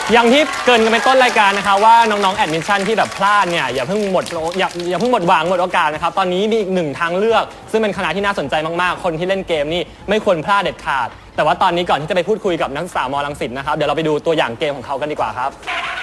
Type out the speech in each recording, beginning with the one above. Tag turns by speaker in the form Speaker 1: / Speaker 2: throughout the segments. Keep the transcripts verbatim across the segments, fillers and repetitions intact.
Speaker 1: อย่างที่เกรินกันไปต้นรายการนะคะว่าน้องๆแอดมิชชั่นที่แบบพลาดเนี่ยอย่าเพิ่งหมดอย่าอย่าเพิ่งหมดหวังหมดโอกาสนะครับตอนนี้มีอีกหนึ่งทางเลือกซึ่งเป็นคณะที่น่าสนใจมากๆคนที่เล่นเกมนี่ไม่ควรพลาดเด็ดขาดแต่ว่าตอนนี้ก่อนที่จะไปพูดคุยกับนักศึกษามอรังสิตนะครับเดี๋ยวเราไปดูตัวอย่างเกมของเขากันดีกว่าครับ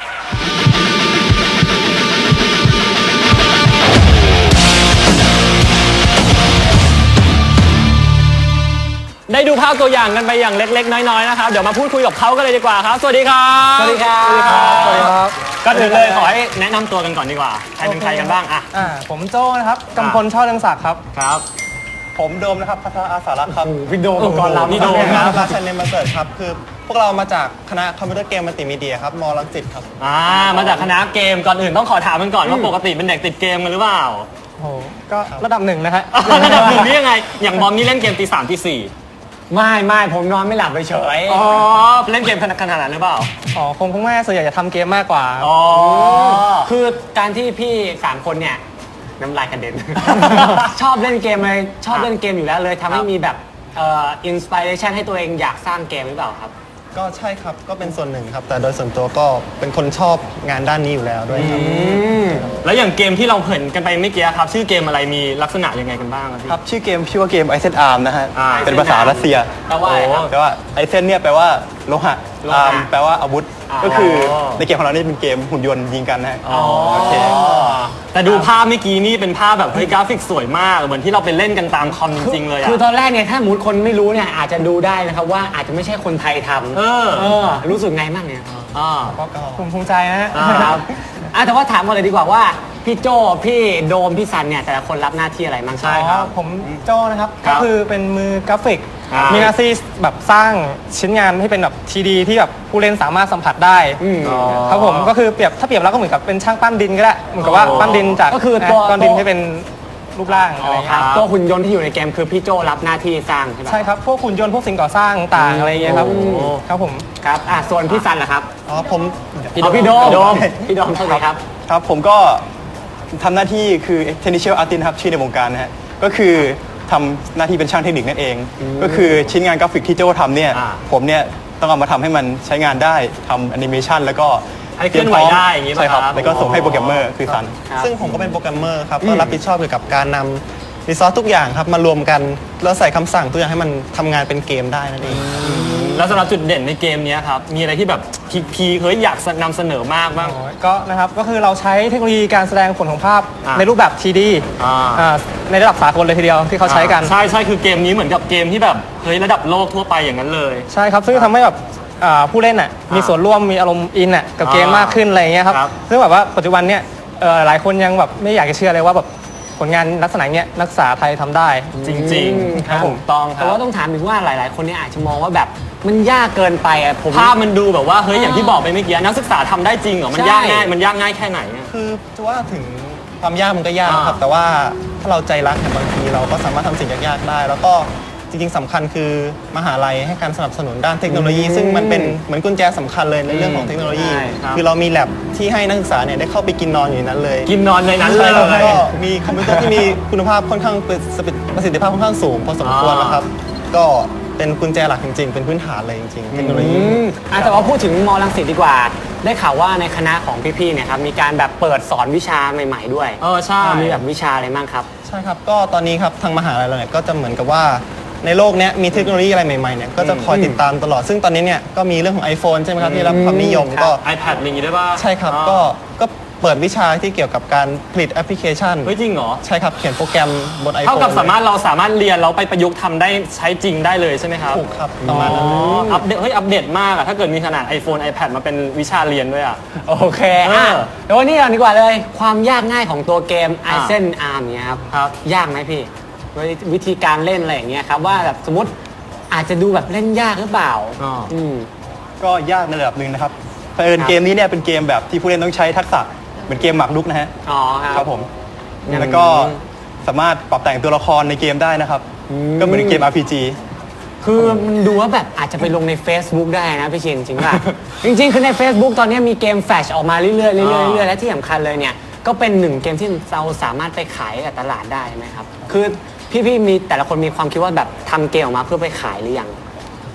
Speaker 1: ได้ดูภาพตัวอย่างกันไปอย่างเล็กๆน้อยๆนะครับเดี๋ยวมาพูดคุยกับเขากันเลยดีกว่าครับสวัสดีครับ
Speaker 2: สวัสดีครับสวัสดีครับ
Speaker 1: ก็ถึงเลยขอให้แนะนำตัวกันก่อนดีกว่าใครเป็นใครกันบ้างอ่ะ
Speaker 2: อ่าผมโจ้นะครับกำพลช่อเรืองศักดิ์ครับ
Speaker 1: ครับ
Speaker 3: ผมโดมนะครับพัฒนาอาสารักษ์ครับ
Speaker 2: พี่โดมอุปกรณ์ลับ
Speaker 1: นี่โดม
Speaker 3: ครับราชันเนมมาเสิร์ชครับคือพวกเรามาจากคณะคอมพิวเตอร์เกมมัลติมีเดียครับมอรังสิตครับ
Speaker 1: อ่ามาจากคณะเกมก่อนอื่นต้องขอถามกันก่อนว่าปกติเป็นเด็กติดเกมกันหรือเปล่า
Speaker 2: โอ้ก็ระดับหนึ่งนะฮะ
Speaker 1: ระดับหนึ่งนี่ยังไงอย่างบอมนี่เล่นเกมตีสามตีสี่
Speaker 2: ไม่ไม่ผมนอนไม่หลับเฉย
Speaker 1: อ๋อเล่นเกมขนาดขนาดนั้นหรือเปล่า
Speaker 2: อ๋อคงคงแม่ส่วนใหญ่จะทำเกมมากกว่า
Speaker 1: อ๋อ
Speaker 4: คือการที่พี่สามคนเนี่ยน้ำลายกระเด็น ชอบเล่นเกมเลยชอบเล่นเกมอยู่แล้วเลยทำให้มีแบบเอ่ออินสปิเรชันให้ตัวเองอยากสร้างเกมหรือเปล่าครับ
Speaker 3: ก็ใช่ครับก็เป็นส่วนหนึ่งครับแต่โดยส่วนตัวก็เป็นคนชอบงานด้านนี้อยู่แล้วด้วยครับ
Speaker 1: แล้วอย่างเกมที่เราเห็นกันไปเมื่อกี้ครับชื่อเกมอะไรมีลักษณะยังไงกันบ้างครับ
Speaker 3: ครับชื่อเกมชื่อว่าเกมไอเซนอาร์มนะฮะเป็นภาษารัสเซีย
Speaker 4: แปลว่าอะไรครับ
Speaker 3: แปลว่าไอเซนเนี่ยแปลว่าโลหะอาร์มแปลว่าอาวุธก็คือในเกมของเรานี่เป็นเกมหุ่นยนต์ยิงกันนะฮะโอเค
Speaker 1: แต่ดูภาพเมื่อกี้นี่เป็นภาพแบบเฮ้ยกราฟิกสวยมากเหมือนที่เราไปเล่นกันตามคอมจริงๆเลยอะ
Speaker 4: คือตอนแรกเนี่ยถ้าสมมติคนไม่รู้เนี่ยอาจจะดูได้นะครับว่าอาจจะไม่ใช่คนไทยทำ
Speaker 1: เออ
Speaker 4: เออรู้สึกไงบ้างเนี่ย
Speaker 1: อ่า
Speaker 2: ภูมิภูมิใจนะฮะ
Speaker 4: ครับอ่ะแต่ว่าถามก่อนเลยดีกว่าว่าพี่โจ้พี่โดมพี่ซันเนี่ยแต่ละคนรับหน้าที่อะไรบ้าง
Speaker 1: ใช่ครับ
Speaker 2: ผมโจ้นะครับก็คือเป็นมือกราฟิก
Speaker 1: ครับ
Speaker 2: มีหน้าที่แบบสร้างชิ้นงานให้เป็นแบบทีดีที่แบบผู้เล่นสามารถสัมผัสได้ครับผมก็คือเปรียบถ้าเปรียบแล้วก็เหมือนกับเป็นช่างปั้นดินก็ได้เหมือนกับว่าปั้นดินจาก
Speaker 4: ก็คือตัว
Speaker 2: ก้อนดินให้เป็นรูปร่างอะไร
Speaker 4: ครับตัวหุ่นยนต์ที่อยู่ในเกมคือพี่โจ้รับหน้าที่สร้างใช่ไหม
Speaker 2: ใช่ครับพวกหุ่นยนต์พวกสิ่งก่อสร้างต่างอะไรอย่างเงี้ยครับครับผม
Speaker 4: ครับอ่ะส่วนพี่ซันล่ะครับ
Speaker 3: อ๋อผม
Speaker 4: พี่โดมพี่โดมพี่โดมเท่าไหร่ครับ
Speaker 3: ครับผมก็ทำหน้าที่คือ technical artist ครับชื่อในวงการนะฮะก็คือทำหน้าที่เป็นช่างเทคนิคนั่นเองก็คือชิ้นงานกราฟิกที่โจ้ทำเนี่ยผมเนี่ยต้องเอามาทำให้มันใช้งานได้ทำแอนิเมชันแล้วก็
Speaker 1: ให้เคลื่อนไหวได้อย่างนี้
Speaker 3: ใช่ครับแล้วก็ส่งให้โปรแกรมเมอร์คือซัน
Speaker 5: ซึ่งผมก็เป็นโปรแกรมเมอร์ครับก็รับผิดชอบเกี่ยวกับการนำรีซอสทุกอย่างครับมารวมกันแล้วใส่คำสั่งทุกอย่างให้มันทำงานเป็นเกมได้นั่นเอง
Speaker 1: แล้วสำหรับจุดเด่นในเกมนี้ครับมีอะไรที่แบบพีเคยอยากนำเสนอมากบ้าง
Speaker 2: ก็นะครับก็คือเราใช้เทคโนโลยีการแสดงผลของภาพในรูปแบบ ที ดี ในระดับสากลเลยทีเดียวที่เขาใช้กัน
Speaker 1: ใช่ใช่คือเกมนี้เหมือนกับเกมที่แบบเฮ้ยระดับโลกทั่วไปอย่างนั้นเลย
Speaker 2: ใช่ครับซึ่งทำให้แบบผู้เล่นอ่ะมีส่วนร่วมมีอารมณ์อินอ่ะกับเกมมากขึ้นอะไรอย่างเงี้ยครับซึ่งแบบว่าปัจจุบันเนี้ยหลายคนยังแบบไม่อยากจะเชื่อเลยว่าแบบผลงานลักษณะเนี้ยนักศึกษาไทยทำได้
Speaker 1: จริงๆครับถูกต้อง
Speaker 4: แต่ว่าต้องถามถึงว่าหลายๆคนเนี่ยอาจจะมองว่าแบบมันยากเกินไปอ่ะผม
Speaker 1: ภาพมันดูแบบว่าเฮ้ยอย่างที่บอกไปเมื่อกี้นักศึกษาทำได้จริงเหรอมันยากง่ายมันยากง่ายแค่ไหน
Speaker 5: คือจะว่าถึงความยากมันก็ยากครับแต่ว่าถ้าเราใจรักเนี่ยบางทีเราก็สามารถทำสิ่งยากๆได้แล้วก็จริงๆสำคัญคือมหาลัยให้การสนับสนุนด้านเทคโนโลยี ซึ่งมันเป็นเหมือนกุญแจสำคัญเลยในเรื่องของเทคโนโลยีคือเรามีแลบที่ให้นักศึกษาเนี่ยได้เข้าไปกินนอนอยู่นั้นเลย
Speaker 1: กินนอนในนั้นเลย
Speaker 5: แล้วก็มีคอมพิวเตอร์ที่มีคุณภาพค่อนข้างประสิทธิภาพค่อนข้างสูงพอสมควรนะครับก็เป็นกุญแจหลักจริงๆเป็นพื้นฐานเลยจริงๆเทคโนโลยี
Speaker 4: แต่ว่าพูดถึงมอรังสิตดีกว่าได้ข่าวว่าในคณะของพี่ๆเนี่ยครับมีการแบบเปิดสอนวิชาใหม่ๆด้วย
Speaker 1: เออใช่
Speaker 4: มีแบบวิชาอะไรบ้างครับ
Speaker 5: ใช่ครับก็ตอนนี้ครับทางมหาลัยเราเนี่ยก็จะเหมือนกับว่าในโลกนี้มีเทคโนโลยีอะไรใหม่ๆเนี่ยก็จะคอยติดตามตลอดซึ่งตอนนี้เนี่ยก็มีเรื่องของ iPhone ใช่ไหมครับที่รับความนิยมก็
Speaker 1: iPad อะไรอย่างงี้ได้ป่ะ
Speaker 5: ใช่ครับก็ก็เปิดวิชาที่เกี่ยวกับการผลิตแอปพลิเคชัน
Speaker 1: เฮ้ยจริงเหรอ
Speaker 5: ใช่ครับเขียนโปรแกรมบน iPhone
Speaker 1: เท่ากับสามารถเราสามารถเรียนเราไปประยุกต์ทำได้ใช้จริงได้เลยใช่ไหมครับ
Speaker 5: ถูกครับประมาณนั้น
Speaker 1: อัปเดตเฮ้ยอัปเดตมากอะถ้าเกิดมีขนาด iPhone iPad มาเป็นวิชาเรียนด้วยอะ
Speaker 4: โอเคอ่ะเดี๋ยววันนี้เราดีกว่าเลยความยากง่ายของตัวเกม ไอเซนอาร์มเนี่ยครับยากไหมพี่วิธีการเล่นอะไรอย่างเงี้ยครับว่าแบบสมมติอาจจะดูแบบเล่นยากหรือเปล่า
Speaker 1: อืม
Speaker 3: ก็ยากในระดับหนึ่งนะครับเผอิญเกมนี้เนี่ยเป็นเกมแบบที่ผู้เล่นต้องใช้ทักษะเหมือนเกมหมากรุกนะฮะ
Speaker 4: อ๋อ
Speaker 3: ครับผมแล้วก็สามารถปรับแต่งตัวละครในเกมได้นะครับก็เหมือนเกม อาร์ พี จี
Speaker 4: คือมันดูว่าแบบอาจจะไปลงใน Facebook ได้นะพี่ชินจริงป่ะ จริงๆคือใน Facebook ตอนนี้มีเกมแฟลชออกมาเรื่อยๆเรื่อยๆเรื่อยๆและที่สำคัญเลยเนี่ยก็เป็นหนึ่งเกมที่เราสามารถไปขายกับตลาดได้ไหมครับคือพี่ๆมีแต่ละคนมีความคิดว่าแบบทำเกมออกมาเพื่อไปขายหรือยัง
Speaker 5: ก็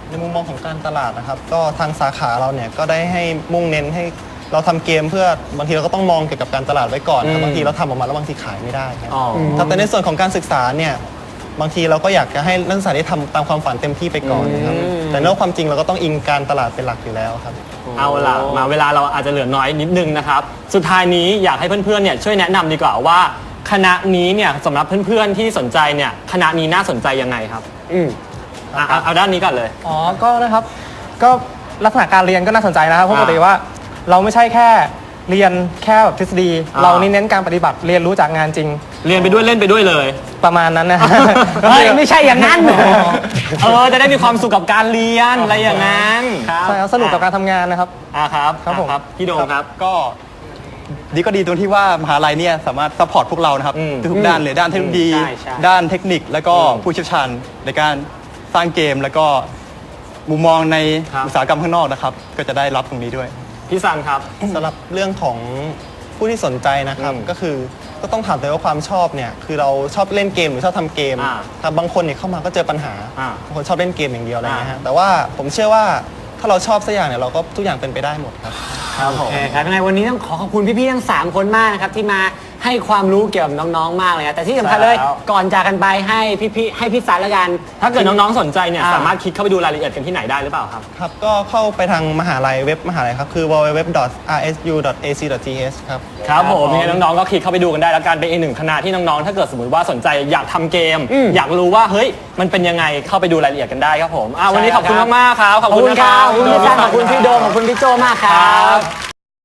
Speaker 5: ในมุมมองของการตลาดนะครับ ก็ทางสาขาเราเนี่ยก็ได้ให้มุ่งเน้นให้เราทำเกมเพื่อบางทีเราก็ต้องมองเกี่ยวกับการตลาดไว้ก่อนครับบางทีเราทำออกมาแล้วบางทีขายไม่ได้ครับ
Speaker 1: อ๋อ
Speaker 5: ครับแต่ในส่วนของการศึกษาเนี่ยบางทีเราก็อยากจะให้นักศึกษาได้ทำตามความฝันเต็มที่ไปก่อนครับแต่ในความจริงเราก็ต้องอิงการตลาดเป็นหลักอยู่แล้วครับ
Speaker 1: เอาล่ะมาเวลาเราอาจจะเหลือน้อยนิดนึงนะครับ สุดท้ายนี้อยากให้เพื่อนๆเนี่ยช่วยแนะนำดีกว่าว่าคณะนี้เนี่ยสำหรับเพื่อนๆที่สนใจเนี่ยคณะนี้น่าสนใจยังไงครับ
Speaker 4: อืม
Speaker 1: อ่ะเอาเอาด้านนี้ก่อนเลย
Speaker 2: อ๋อ ก็นะครับ ก็ลักษณะการเรียนก็น่าสนใจนะครับเพราะปกติว่าเราไม่ใช่แค่เรียนแค่แบบทฤษฎี
Speaker 1: อ่า
Speaker 2: เรานี่เน้นการปฏิบัติเรียนรู้จากงานจริง
Speaker 1: เรียนไปด้วยเล่นไปด้วยเลย
Speaker 2: ประมาณนั้นนะ
Speaker 4: เฮ้ยไม่ใช่อย่างนั้น
Speaker 1: เออจะได้มีความสุขกับการเรียนอะไรอย่างนั้นครับ
Speaker 2: ใช่ครับสนุกกับการทำงานนะครับ
Speaker 1: อ่ะครับ
Speaker 2: ครับผม
Speaker 1: อ่ะพี่โดมครับ
Speaker 3: ก็ดีก็ดีตรงที่ว่ามหาลัยเนี่ยสามารถซัพพอร์ตพวกเรานะครับ
Speaker 1: อืม
Speaker 3: ทุกๆด้านเลยด้านเทคโนโลยี
Speaker 4: ใช่ใช่
Speaker 3: ด้านเทคนิคแล้วก็
Speaker 1: อืม
Speaker 3: ผู้เชี่ยวชาญในการสร้างเกมแล้วก็มุมมองใน
Speaker 1: ครับ
Speaker 3: อุตสาหกรรมข้างนอกนะครับ ก็จะได้รับตรงนี้ด้วย
Speaker 1: พี่ซันครับ
Speaker 5: สำหรับเรื่องของผู้ที่สนใจนะครับ
Speaker 1: อืม
Speaker 5: ก็คือก็ต้องถามตัวเองว่าความชอบเนี่ยคือเราชอบเล่นเกมหรือชอบทำเกม
Speaker 1: อ่า
Speaker 5: ครับบางคนเนี่ยเข้ามาก็เจอปัญหา
Speaker 1: อ่า
Speaker 5: บางคนชอบเล่นเกมอย่างเดียวอะไรเงี้ย
Speaker 1: อ่า
Speaker 5: ฮะแต่ว่าผมเชื่อว่าถ้าเราชอบสักอย่างเนี่ยเราก็ทุกอย่างเป็นไปได้หมดครับ
Speaker 1: ครับผ
Speaker 4: โอ
Speaker 1: ม
Speaker 4: เคครับยังไงวันนี้ต้องขอขอบคุณพี่ๆทั้งสามคนมากนะครับที่มาให้ความรู้เกี่ยวกับน้องๆมากเลยนะแต่ที่สำคัญเลย
Speaker 1: ใช่แล้ว
Speaker 4: ก่อนจากกันไปให้พี่ๆให้พี่สันละกัน
Speaker 1: ถ้าเกิดน้องๆสนใจเนี่ย
Speaker 4: อ่า
Speaker 1: สามารถคลิกเข้าไปดูรายละเอียดกันที่ไหนได้หรือเปล่าครับ
Speaker 5: ครับก็เข้าไปทางมหาลัยเว็บมหาลัยครับคือ ดับเบิลยู ดับเบิลยู ดับเบิลยู ดอท อาร์ เอส ยู ดอท เอ ซี ดอท ที เอช ครับ
Speaker 1: ครับผม
Speaker 4: ผม
Speaker 1: ยังไงน้องๆก็คลิกเข้าไปดูกันได้แล้วกันเป็นอีกหนึ่งคณะที่น้องๆถ้าเกิดสมมติว่าสนใจอยากทำเกม
Speaker 4: อืม
Speaker 1: อยากรู้ว่าเฮ้ยมันเป็นยังไงเข้าไปดูรายละเอียดกันได้ครับผมอ่ะวันนี้ขอบคุณ
Speaker 4: ใช่ครับ
Speaker 1: มากๆครับ
Speaker 4: ขอบคุณครับขอบคุณพี่สันขอบคุณพี่โดมขอบคุณพี่โจมากครับ